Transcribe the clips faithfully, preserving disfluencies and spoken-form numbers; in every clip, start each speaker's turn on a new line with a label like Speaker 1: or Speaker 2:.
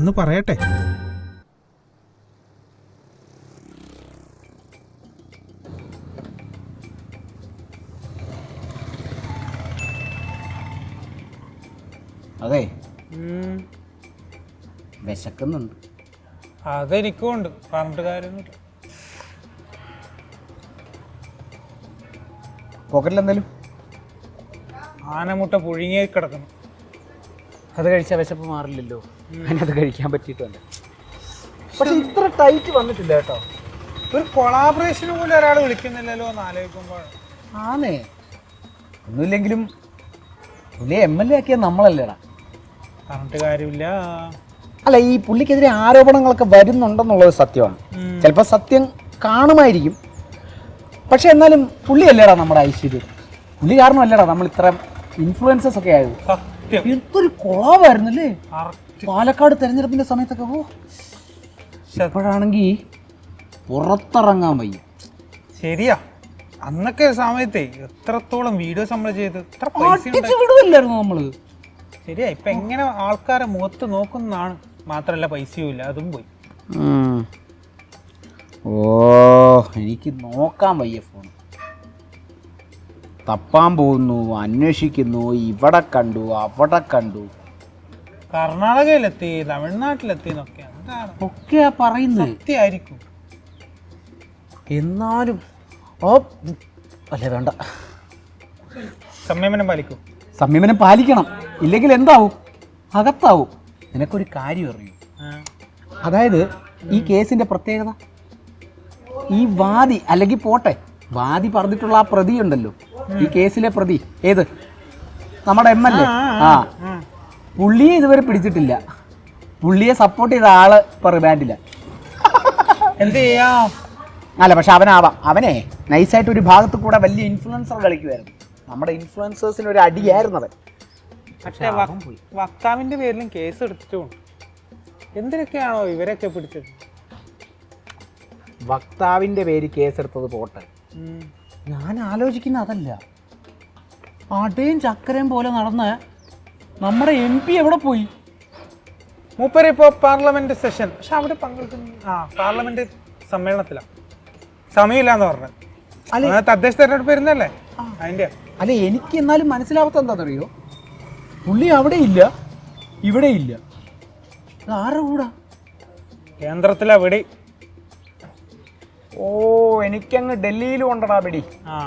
Speaker 1: ഞാനൊന്ന് പറയട്ടെ.
Speaker 2: അതെ, വിശക്കുന്നുണ്ട്.
Speaker 1: അതെനിക്കും ഉണ്ട്, പറഞ്ഞിട്ട് കാര്യമൊന്നുമില്ല.
Speaker 2: പോക്കറ്റിലെന്തായാലും
Speaker 1: ആനമുട്ട പുഴുങ്ങി കിടക്കണം.
Speaker 2: അത് കഴിച്ചാൽ വിശപ്പ് മാറില്ലല്ലോ. അതിനത് കഴിക്കാൻ പറ്റിയിട്ടുണ്ട്. പക്ഷെ ഇത്ര ടൈറ്റ് വന്നിട്ടില്ല കേട്ടോ.
Speaker 1: ഒരു കൊളാബറേഷന് പോലും ഒരാൾ വിളിക്കുന്നില്ലല്ലോ എന്ന് ആലോചിക്കുമ്പോൾ.
Speaker 2: ആന്നേ, ഒന്നുമില്ലെങ്കിലും പുള്ളിയെ എം എൽ എ ആക്കിയ നമ്മളല്ലേടാ.
Speaker 1: പറഞ്ഞിട്ട് കാര്യമില്ല.
Speaker 2: അല്ല, ഈ പുള്ളിക്കെതിരെ ആരോപണങ്ങളൊക്കെ വരുന്നുണ്ടെന്നുള്ളത് സത്യമാണ്. ചിലപ്പോൾ സത്യം കാണുമായിരിക്കും. പക്ഷെ എന്നാലും പുള്ളിയല്ലേടാ നമ്മുടെ ഐശ്വര്യം. പുള്ളി കാരണമല്ലേടാ നമ്മൾ ഇത്ര ഇൻഫ്ലുവൻസസ് ഒക്കെ ആയത്. എന്തൊരു കൊളാവായിരുന്നല്ലേ പാലക്കാട് തെരഞ്ഞെടുപ്പിന്റെ സമയത്തൊക്കെ. ഓ, ഇപ്പോഴാണെങ്കിൽ പുറത്തിറങ്ങാൻ വയ്യ.
Speaker 1: ശരിയാ, അന്നൊക്കെ സമയത്തെ എത്രത്തോളം വീഡിയോസ് നമ്മൾ ചെയ്ത്
Speaker 2: വിടുവല്ലായിരുന്നു നമ്മള്.
Speaker 1: ശരിയാ, ഇപ്പൊ എങ്ങനെ ആൾക്കാരെ മുഖത്ത് നോക്കുന്നതാണ്. മാത്രല്ല പൈസയും ഇല്ല, അതും പോയി.
Speaker 2: ഓ, എനിക്ക് നോക്കാൻ വയ്യ ഫോൺ. തപ്പാൻ പോകുന്നു, അന്വേഷിക്കുന്നു, ഇവിടെ കണ്ടു അവിടെ കണ്ടു.
Speaker 1: കർണാടകയിലെത്തി, തമിഴ്നാട്ടിലെത്തി എന്നൊക്കെ എന്താണ്
Speaker 2: ഒക്കെയാ പറയുന്നത്.
Speaker 1: സത്യമായിരിക്കും.
Speaker 2: എന്നാലും ഓ അല്ലേ, വേണ്ട.
Speaker 1: സംയമനം പാലിക്കും.
Speaker 2: സംയമനം പാലിക്കണം, ഇല്ലെങ്കിൽ എന്താവും? അകത്താവും. നിനക്കൊരു കാര്യം അറിയൂ. അതായത് ഈ കേസിന്റെ പ്രത്യേകത, ഈ വാദി അല്ലെങ്കിൽ പോട്ടെ വാദി പറഞ്ഞിട്ടുള്ള ആ പ്രതി ഉണ്ടല്ലോ, ഈ കേസിലെ പ്രതി, ഏത് നമ്മുടെ എം എൽ എ, ആ പുള്ളിയെ ഇതുവരെ പിടിച്ചിട്ടില്ല. പുള്ളിയെ സപ്പോർട്ട് ചെയ്ത ആള് ഇപ്പൊ റിമാൻഡില്ല.
Speaker 1: എന്ത് ചെയ്യാം?
Speaker 2: അല്ല, പക്ഷെ അവനാവാം. അവനെ നൈസായിട്ട് ഒരു ഭാഗത്ത് കൂടെ വലിയ ഇൻഫ്ലുവൻസർ കളിക്കുമായിരുന്നു. നമ്മുടെ ഇൻഫ്ലുവൻസേഴ്സിന് ഒരു അടിയായിരുന്നു അവൻ.
Speaker 1: പക്ഷേ വക്താവിന്റെ പേരിലും കേസ് എടുത്തിട്ടുണ്ട്. എന്തിനൊക്കെയാണോ ഇവരൊക്കെ പിടിച്ചത്?
Speaker 2: വക്താവിന്റെ പേര് കേസെടുത്തത് പോട്ടെ, ഞാൻ ആലോചിക്കുന്ന അതല്ല. അടയും ചക്കരയും പോലെ നടന്ന നമ്മുടെ എം പി എവിടെ പോയി?
Speaker 1: മൂപ്പര് ഇപ്പോൾ പാർലമെന്റ് സെഷൻ, പക്ഷെ അവിടെ പങ്കെടുക്കുന്നു. ആ പാർലമെന്റ് സമ്മേളനത്തിലാണ്, സമയമില്ലാന്ന് പറഞ്ഞത്. അല്ല, തദ്ദേശ തെരഞ്ഞെടുപ്പ് വരുന്നല്ലേ അതിന്റെ.
Speaker 2: അല്ല, എനിക്ക് എന്നാലും മനസ്സിലാവാത്ത എന്താണെന്നറിയോ, പുള്ളി അവിടെ ഇല്ല ഇവിടെ ഇല്ല. ആരുടെ കൂടാ?
Speaker 1: കേന്ദ്രത്തിലാ വെടി.
Speaker 2: ഓ, എനിക്കങ്ങ് ഡൽഹിയിലും ഉണ്ടടാ വെടി.
Speaker 1: ആ,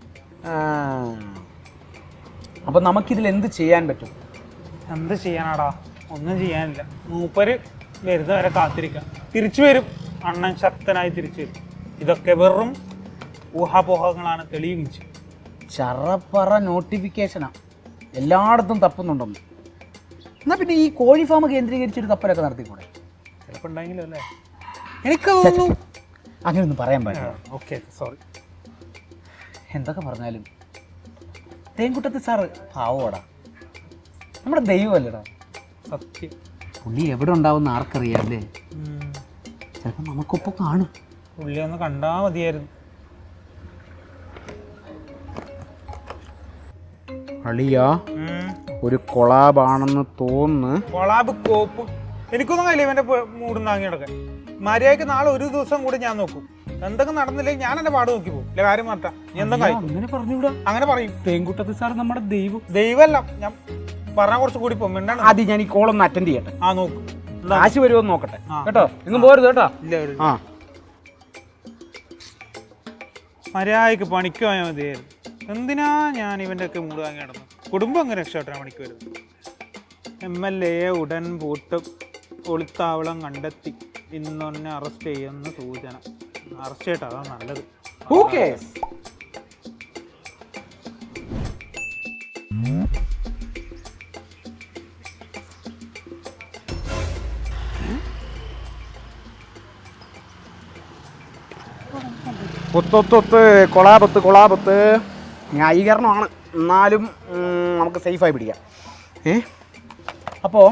Speaker 2: അപ്പൊ നമുക്കിതിൽ എന്ത് ചെയ്യാൻ പറ്റും?
Speaker 1: എന്ത് ചെയ്യാനാടാ? ഒന്നും ചെയ്യാനില്ല. മൂപ്പര് വരുന്ന വരെ കാത്തിരിക്കാം. തിരിച്ചു വരും, അണ്ണൻ ശക്തനായി തിരിച്ചു വരും. ഇതൊക്കെ വെറും ഊഹാപോഹങ്ങളാണ്, തെളിയിച്ചു.
Speaker 2: ചറപ്പറ നോട്ടിഫിക്കേഷനാ, എല്ലായിടത്തും തപ്പുന്നുണ്ടെന്ന്. എന്നാ പിന്നെ ഈ കോഴി ഫാം കേന്ദ്രീകരിച്ചൊരു തപ്പലൊക്കെ നടത്തിക്കൂടെ?
Speaker 1: ചിലപ്പോൾ ഉണ്ടെങ്കിലും അല്ലേ, എനിക്ക് തോന്നുന്നു.
Speaker 2: അങ്ങനെയൊന്നും പറയാൻ പറ്റില്ല.
Speaker 1: Okay, sorry.
Speaker 2: എന്തൊക്കെ പറഞ്ഞാലും തേൻകുട്ടത്ത് സാറ് പാവോടാ, നമ്മുടെ ദൈവമല്ലേടാ.
Speaker 1: സത്യം.
Speaker 2: പുള്ളി എവിടെ ഉണ്ടാവുന്ന ആർക്കറിയാല്ലേ? ചിലപ്പോൾ നമുക്കൊപ്പം കാണും.
Speaker 1: പുള്ളി ഒന്ന് കണ്ടാ മതിയായിരുന്നു.
Speaker 2: അളിയാ, ഒരു കൊളാബാണെന്ന് തോന്നുന്നു.
Speaker 1: കൊളാബ് കോപ്പ് എനിക്കൊന്നും കഴിയില്ല ഇവന്റെ മൂടും താങ്ങി കിടക്കാൻ. മര്യാദക്ക് നാളെ ഒരു ദിവസം കൂടി ഞാൻ നോക്കും. എന്തൊക്കെ നടന്നില്ലെങ്കിൽ ഞാൻ എന്റെ പാട് നോക്കി പോകും. ഇല്ല, കാര്യം മാറ്റാം.
Speaker 2: അങ്ങനെ പറഞ്ഞൂടാ.
Speaker 1: അങ്ങനെ പറയും.
Speaker 2: തേൻകുട്ടത്ത് സാർ നമ്മുടെ ദൈവം.
Speaker 1: ദൈവമല്ല, ഞാൻ പറഞ്ഞാൽ കുറച്ച് കൂടി പോകും. മിണ്ടാണ്.
Speaker 2: ആദ്യം ഞാൻ ഈ കോളൊന്ന് അറ്റൻഡ് ചെയ്യട്ടെ.
Speaker 1: ആ, നോക്കും.
Speaker 2: കാശ് വരുമോ നോക്കട്ടെ കേട്ടോ. എങ്ങും പോരുത് കേട്ടോ.
Speaker 1: ഇല്ല,
Speaker 2: ആ,
Speaker 1: മര്യാദക്ക് പണിക്ക് പോയാൽ മതിയായിരുന്നു. എന്തിനാ ഞാൻ ഇവന്റെ ഒക്കെ മൂട് വാങ്ങി കിടന്നു? കുടുംബം അങ്ങനെ രക്ഷപ്പെട്ടാൻ പണിക്ക് വരുന്നത്. എം എൽ എയെ ഉടൻ പൂട്ടും, ഒളിത്താവളം കണ്ടെത്തി ഇന്നൊന്നെ അറസ്റ്റ് ചെയ്യുന്ന സൂചന. അറസ്റ്റ് ചെയ്യട്ടെ, അതാണ് നല്ലത്.
Speaker 2: ഓക്കെ. ഒത്തൊത്തൊത്ത് കൊളാപത്ത് കൊളാപത്ത് ന്യായീകരണമാണ്, എന്നാലും നമുക്ക് സേഫായി പിടിക്കാം. ഏ അപ്പോൾ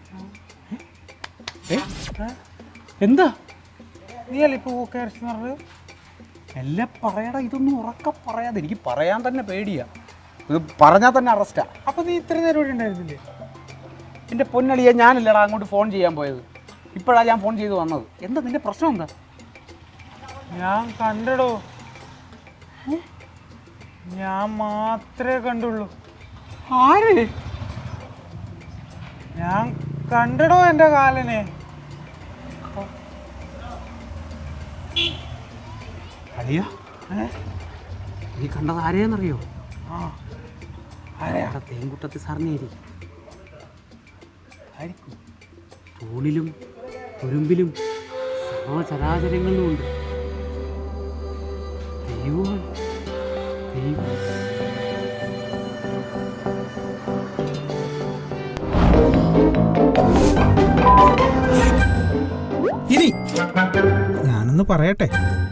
Speaker 2: എന്താ
Speaker 1: നീയല്ലേ ഇപ്പോൾ ഓക്കെ അറസ്റ്റ് പറഞ്ഞത്?
Speaker 2: എല്ലാം പറയടാ, ഇതൊന്നും ഉറക്കെ പറയാതെ. എനിക്ക് പറയാൻ തന്നെ പേടിയാ, ഇത് പറഞ്ഞാൽ തന്നെ അറസ്റ്റാ.
Speaker 1: അപ്പോൾ നീ ഇത്ര നേരം ഇവിടെ ഉണ്ടായിരുന്നില്ലേ?
Speaker 2: എൻ്റെ പൊന്നളിയെ, ഞാനല്ലടാ അങ്ങോട്ട് ഫോൺ ചെയ്യാൻ പോയത്. ഇപ്പോഴാണ് ഞാൻ ഫോൺ ചെയ്ത് വന്നത്. എന്താ നിന്റെ പ്രശ്നം എന്താ?
Speaker 1: ഞാൻ കണ്ടടോ, ഞാൻ മാത്രമേ കണ്ടുള്ളൂ.
Speaker 2: ആര്?
Speaker 1: ഞാൻ കണ്ടടോ എൻ്റെ കാലനെ.
Speaker 2: അളിയ, നീ കണ്ടത് ആരെയെന്നറിയോ?
Speaker 1: ആ ആരെയാ?
Speaker 2: തേൻകുട്ടത്തി സാറിനേരി. ആയിരിക്കും. തൂണിലും തുരുമ്പിലും സർവചരാചരങ്ങളിലും ഉണ്ട് ദൈവം. ദൈവം
Speaker 1: ഇനി ഞാനൊന്ന് പറയട്ടെ.